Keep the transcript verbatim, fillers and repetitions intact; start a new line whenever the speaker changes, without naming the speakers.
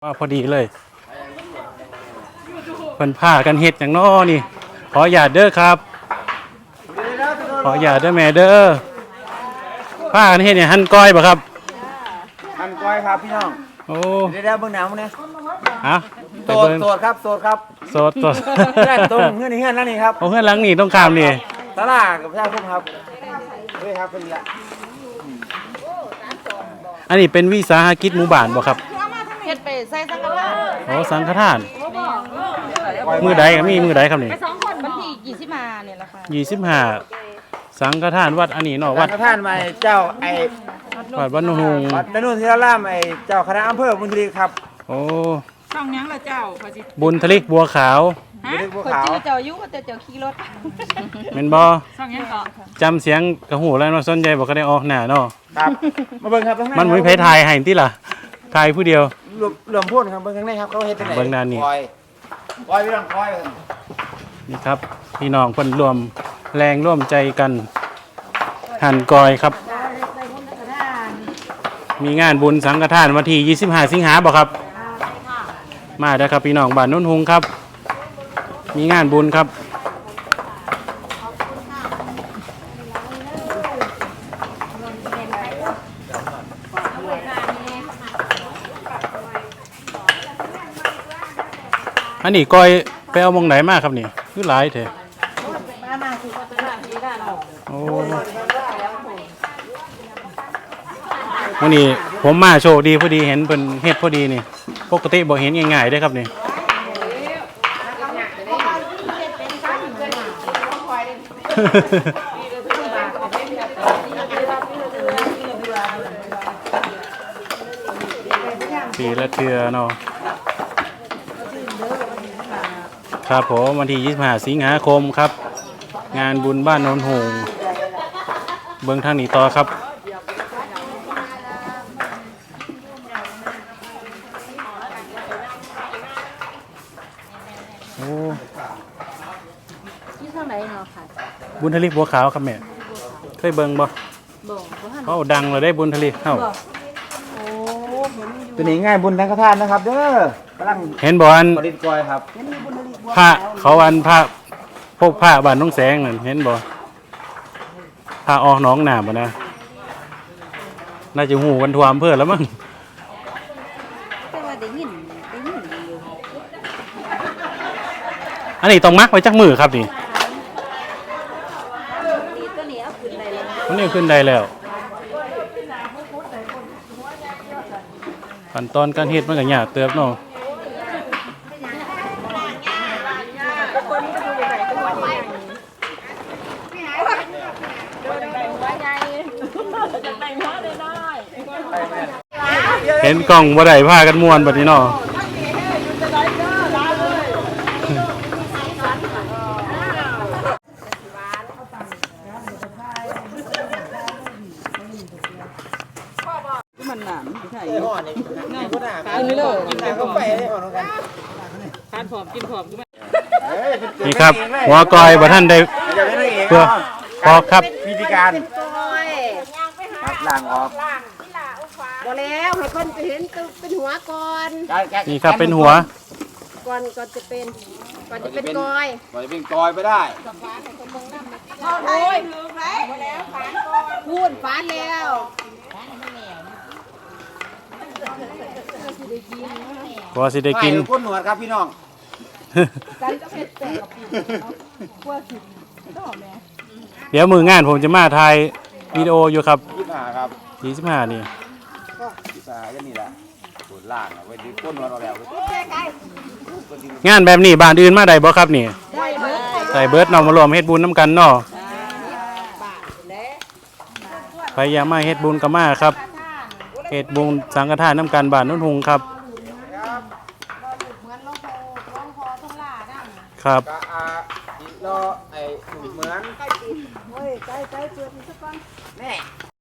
ว่าพอดีเลยเพิ่นผ้ากันเฮ็ดอย่างน้อนี่ขออย่าตเด้อครับขออย่าตเด้อแม่เด้อผ้ากันเฮ็ดเนี่ยหั่นก้อยบ่ครับ
หั่นก้อยครับพี่น้อง
โอ้
เดี๋ยวเบิ่งหนาวเนี่ย
ฮะ
โสดโสดครับโสดครับ
โสดโสด
เพื่อนตรงเพื่อนนี่เพื่อนนั่นนี่ครับ
โอ้เพื่อนหลังนี่ต้องข้ามนี่
ตลาดกับประชาชนครับเฮ้ยครับเป็นละ
อันนี้เป็นวิสาหกิจหมู่บ้านบ่ครับ
เฮ็ดไปใส่สังฆทาน
โอ้สังฆทานมือใดก็มีมือใดครับนี่
ไปสองคนวันที่ยี่สิบห้าเนี่ยแหละค่ะ
ยี่สิบห้าสังฆทานวัดอันนี้เนาะวัด
สังฆทานมาเจ้าไอ้
วัดวัดนุ่ง
วัดนุ่งที่ล่ามไอ้เจ้าคณะอำเภอบุญทลีครับ
โอ้
ช่องยังละเจ้า
บุญทลิกบัวขาว
ฮะคนชื่อเจ้ายุก็เจ้าขี่รถ
แม่นบ่
ช่องยังเกาะ
จำเสียงกระหูแล้วเนาะสนใจบ่ก็ได้ออกหน้าเนาะ
ครับมาเบิ่งครับ
มันมีไผถ่ายให้ติล่ะถ่ายผู้เดียว
รวมรวมพูดครับเบิ่งข้างในครับเขาเฮ็ดจังได๋
เบิ่งด้านนี้
คอยคอยพี่น้องคอย
นี่ครับพี่น้องเพิ่นรวมแรงร่วมใจกันหั่นกอยครับมีงานบุญสังฆทานวันที่ยี่สิบห้าสิงหาบ่ครับมาเด้อครับพี่น้องบ้านโนนฮุงครับมีงานบุญครับอันนี้ก้อยไปเอามองไหนมากครับนี่คือหลายเถอะโอ้วันนี้ผมมาโชคดีพอดีเห็นเป็นเฮ็ดพอดีนี่ปกติบ่เห็นง่ายๆได้ครับนี่ปีละเทื่อเนาะครับผมวันที่ยี่สิบห้าสิงหาคมครับงานบุญบ้านโนนหงเบื้องทางนี้ต่อครับโอ้
ที่ทางไหนเนาะค่ะ
บุญทลิกบัวขาวครับแม่เคยเบิ่งบ่
บ่บ่ทัน
เขาดังเลยได้บุญทลิกเอ้า
โอ้
ตัวนี้ง่ายบุญสังฆทานนะครับเด้อกำลัง
เห็นบ่อัน
ผลิตก้อยครับ
พระเขาอันพระพวกพระบ้านน้องแสงนั่นเห็นบ่พระออกหนองน้ำบ่นะน่าจะหูกันทั่วอำเภอแล้วมั้ง
แต่ว่าได้ยินได้ยินอยู่
อันนี้ต้องมักไว้จักมือครับนี่
นี่ตัวนี้เอาขึ้นได้แล้ว
ตัวนี้ขึ้นได้แล้วขั้นตอนการเฮ็ดมันก็ยากเติบเนาะเห็นกล่องบ่ได้พากันม่วนบัดนี้เนาะ
มันหนามใช่
ห่อนี่นี่ก็น่า
กินเลย
กินได้ก็ไปได้ห่อกัน
ทานผอมกินผอม
นี่ครับหัวกอยบ่ท่านได้เพื่อพอครับ
วิธีการครับล้างออก
บ่แล้วให้เพิ่นเห็นเป็นหัวก่อน
นี่ครับเป็นหัว
ก่อนก่อนจะเป็นก่อนจะเป็นกอย
ก่อนจะเป็นกอยไปได้
โอ้ยถึงไหมพูดฝานแล้ว
ก็สิได้กิน
ก้นหนวดครับพี่น้อง
เดี๋ยวมืองานผมจะมาถ่ายวิดีโออยู่ครับ
ยี่สิบห้าครับ
ยี่สิบห้านี่
ยี่สิบห้าก็นี่แหละปวดล่างเอาไว้ดึงก้นหนวดเอาแล้ว
งานแบบนี้บ้านอื่นมาได้บ่ครับนี่ใส่เบิร์ดเนาะมารวมเฮ็ดบุญน้ำกันเนาะพยายามมาเฮ็ดบุญกับมาครับเฮ็ดบุญสังฆทานน้ำกันบ้านโนนหงครับครับ
รอไอ้เหมือนใกล้ใกล้ใกล้เจอที่สักคนแม่